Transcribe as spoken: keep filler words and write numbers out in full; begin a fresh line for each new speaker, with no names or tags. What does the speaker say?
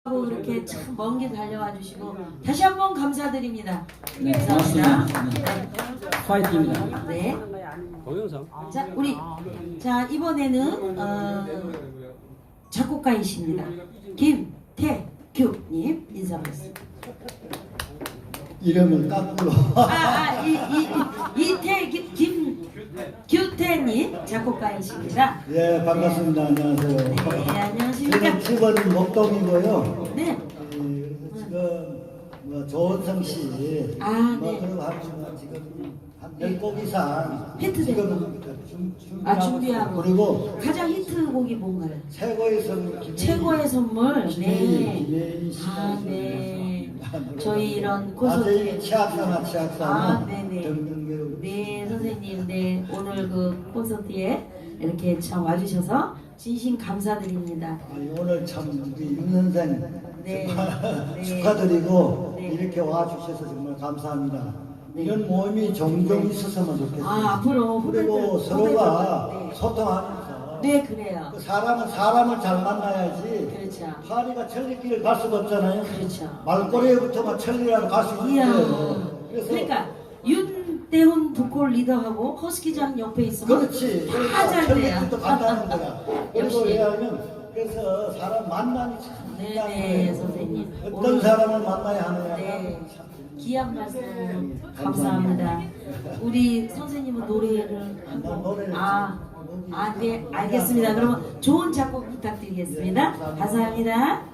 이렇게 참 먼 길 달려와 주시고 다시 한번 감사드립니다.
네,
감사합니다.
고맙습니다. 네. 파이팅입니다.
네.
동영상.
자, 우리 자 이번에는 어, 작곡가이십니다. 김태규님 인사 말씀.
이름을 까꾸로.
아, 아, 이, 이, 이, 이태 김규태님 작곡가이십니다.
예, 반갑습니다. 안녕하세요.
네, 안녕하십니까.
저는 집은 목동이고요.
네.
예, 지금 뭐 조은성 씨,
아,
뭐
네.
그러고 하지만 지금 한 열 곡 이상
히트
지금 준- 준비하고
아, 준비하고.
있어요. 그리고
가장 히트곡이 뭔가요?
최고의 선물 김혜희-
최고의 선물.
김혜희,
네.
김혜희 씨.
아, 네. 저희 이런
아세요?
콘서트에
치악사나 치악사나
아, 네네.
등등배우.
네, 선생님, 네, 오늘 그 콘서트에 이렇게 참 와주셔서 진심 감사드립니다.
아니, 오늘 참 우리 윤선생
네.
정말
네.
축하드리고
네.
이렇게 와주셔서 정말 감사합니다.
네.
이런 모임이 종종 있었으면 좋겠어요.
아, 앞으로
그리고
후배들,
서로가
후배들, 네.
소통하면서
네, 그래요.
그 사람은 사람을 잘 만나야지
그렇죠.
파리가 천리길을 갈 수가 없잖아요.
그렇죠.
말꼬리에부터가 천리라고 갈 수
이야.
있어요. 그래서
그러니까 윤대훈 보컬 리더하고 허스키장 옆에 있으면
그렇지.
다 잘 돼요.
천리길도 간다는 거야. 그리고
역시.
왜냐하면 그래서 사람 만남이 참
네네,
중요해요.
선생님.
어떤
오늘-
사람을 만나야 하느냐가
네.
참
귀한 말씀 감사합니다. 우리 선생님은 노래를 한
난
번.
노래를
아, 아, 네, 알겠습니다. 그러면 좋은 작곡 부탁드리겠습니다. 감사합니다.